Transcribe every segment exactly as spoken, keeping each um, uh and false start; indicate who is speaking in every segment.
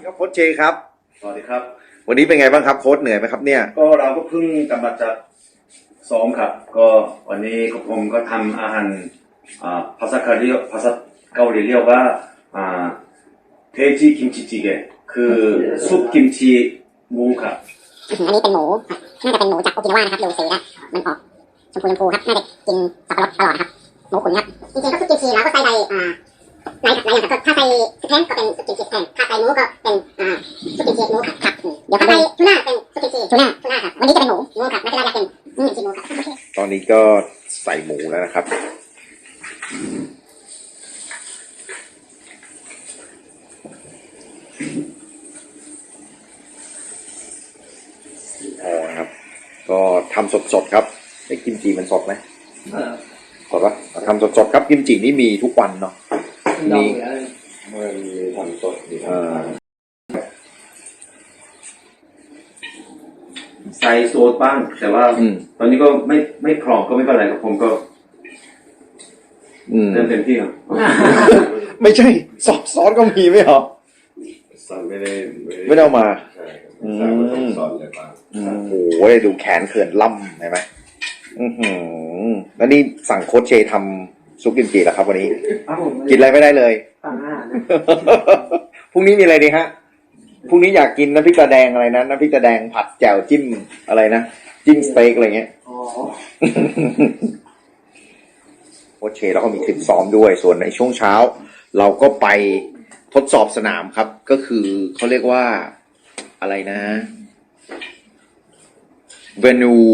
Speaker 1: ครับโค้ชเจครับ
Speaker 2: สวัสดีครับ
Speaker 1: วันนี้เป็นไงบ้างครับโค้ชเหนื่อยไหมครับเนี่ย
Speaker 2: ก็เราก็เพิ่งกลับมาจากซ้อมครับก็วันนี้ผมก็ทำอาหารภาษาเกาหลีภาษาเกาหลีเรียกว่าเทจิกิมจิจิเกะคือซุปกิมจิหมูครับ
Speaker 3: อันนี้เป็นหมูน่าจะเป็นหมูจากโอกินาวานะครับดูสีแล้วมันออกชมพูชมพูครับน่าจะกินสับปะรดตลอดครับหมูขุนครับจริงๆก็ซุปกิมจิแล้วก็ใส่ใบอ่าหลายหลายอย่างครับถ้าใส่สเต็กก็เป็นซุปกิมจิสเต็กถ้าใส่หมูก็เป็นอ่าซุปกิมจิหมูครับครับเดี๋ยวถ้าใส่ทูน่าเป็นซุปกิมจิทูน่าทูน่าครับวันนี้จะเป็นหมูหมูครับไม่ใช่ว่าจะเป็นกิมจิหมูครับ
Speaker 1: ตอนนี้ก็ใส่หมูแล้วนะครับอ๋อนะครับก็ทำสดๆครับไอ้กิมจิมันสดไหมสดปะทำสดๆครับกิมจินี่มีทุกวันเนาะมี
Speaker 2: มันมีทำสดมีทำใส่โซดบ้างแต่ว่าตอนนี้ก็ไม่ไม่พร้อมก็ไม่เป็นไรครับผมก็เต็มเต็มที่ครับ
Speaker 1: ไม่ใช่ซอสซอสก็มีไหมเหรอ
Speaker 2: ซอสไม่ได้
Speaker 1: ไม่ได้เอามา
Speaker 2: ใช่ซอสเลยมา
Speaker 1: โอ้โหดูแขนเขื่อนล่ำเห็นไหมอือหือแล้วนี่สั่งโค้ชเชทำซุปกิมจิแล้วครับวันนี้กินอะไรไม่ได้เลยพรุ่งนี้มีอะไรดีฮะพรุ่งนี้อยากกินน้ำพริกตาแดงอะไรนะน้ำพริกตาแดงผัดแจ่วจิ้มอะไรนะจิ้มสเต็กอะไรเงี้ยโค้ชเชแล้วก็มีคลิปซ้อมด้วยส่วนในช่วงเช้าเราก็ไปทดสอบสนามครับก็คือเขาเรียกว่าอะไรนะ venue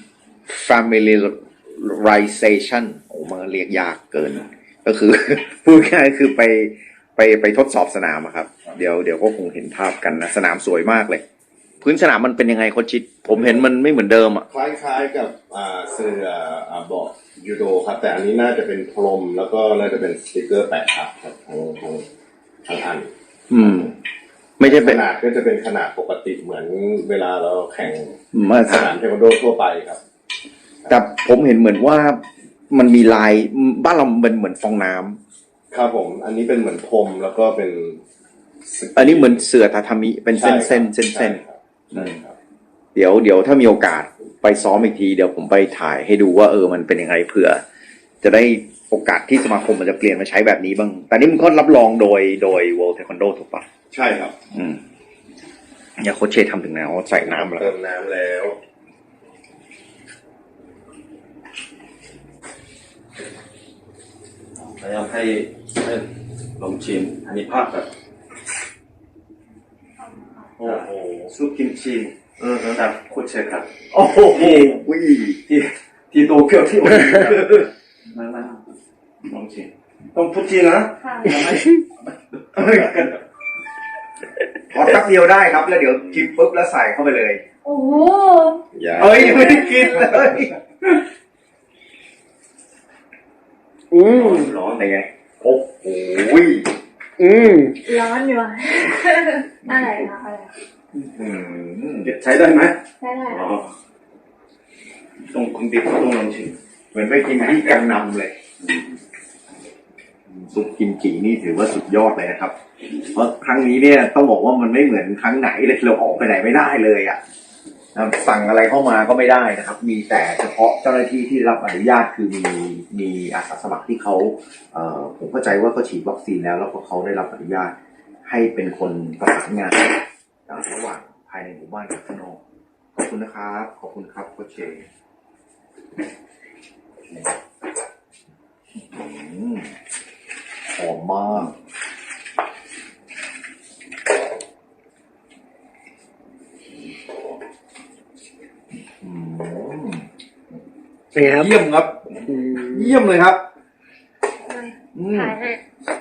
Speaker 1: familiarization โอ้มันเรียกยากเกินก็คือพูดง่ายคือไปไปไปทดสอบสนามครับเดี๋ยวเดี๋ยวก็คงเห็นภาพกันนะสนามสวยมากเลยพื้นสนามมันเป็นยังไงโค้ชชิดผมเห็นมันไม่เหมือนเดิมอ่ะ
Speaker 4: คล้ายๆกับอ่าเสื้ออ่าเบาะยูโดครับแต่อันนี้น่าจะเป็นพรมแล้วก็น่าจะเป็นสติกเกอร์แปะครับทั้งทั้งทั้งอัน
Speaker 1: อืมไม่ใช่
Speaker 4: ขนาดก็จะเป็นขนาดปกติเหมือนเวลาเราแข่งสนามเทควันโดทั่วไปครับ
Speaker 1: แต่ผมเห็นเหมือนว่ามันมีลายบ้านเราเป็นเหมือนฟองน้
Speaker 4: ำครับผมอันนี้เป็นเหมือนพรมแล้วก็เป็น
Speaker 1: อันนี้เหมือนเสื่อทาทามิเป็นเส้นเส้นเส้นเส้นเดี๋ยวเดี๋ยวถ้ามีโอกาสไปซ้อมอีกทีเดี๋ยวผมไปถ่ายให้ดูว่าเออมันเป็นยังไงเผื่อจะได้โอกาสที่สมาคมมันจะเปลี่ยนมาใช้แบบนี้บ้างแต่นี่มันก็รับรองโดยโดย World Taekwondo ถูกปะ
Speaker 4: ใช่ครับ
Speaker 1: อืมอย่าโค้ชเชทำถึงแล้วใส่น้ำแล้ว
Speaker 4: เติมน้ำแล้ว
Speaker 2: พยายามให้ให้ลองชิมอันนี้ภาพแบบโอ้โหซุปกิมจิจากโคเชครับ
Speaker 1: โอ้โห
Speaker 2: ที่ที่โตเกียวที่มามาลองชิมต้องพูดจริงนะ
Speaker 1: พอแป๊บเดียวได้ครับแล้วเดี๋ยวกินปุ๊บแล้วใส่เข้าไปเลย
Speaker 3: โอ้โห
Speaker 1: เอ้ยไม่ได้กินเลยอืมร้อนไงโอ้โหอืม
Speaker 3: ร้อนอยู่อะไรคะอะไร
Speaker 2: ใช้ได้ไหม
Speaker 3: ใช้ได้
Speaker 2: ตรงคุณติ๊กต้องลองชิม
Speaker 1: เหมือนไปกินที่กังนำเลยซุปกิมจินี่ถือว่าสุดยอดเลยนะครับเพราะครั้งนี้เนี่ยต้องบอกว่ามันไม่เหมือนครั้งไหนเลยเราออกไปไหนไม่ได้เลยอ่ะสั่งอะไรเข้ามาก็ไม่ได้นะครับมีแต่เฉพาะเจ้าหน้าที่ที่รับอนุญาตคือมีมีอาสาสมัครที่เขาเอ่อผมเข้าใจว่าเขาฉีดวัคซีนแล้วแล้วก็เขาได้รับอนุญาตให้เป็นคนประสานงานระหว่างภายในหมู่บ้านกับข้างนอกขอบคุณนะครับขอบคุณครับโค้ชเชหอมมาก
Speaker 5: เป็นไงครับ
Speaker 1: เยี่ยมครับเยี่ยมเลยครับ
Speaker 3: ถ่ายให้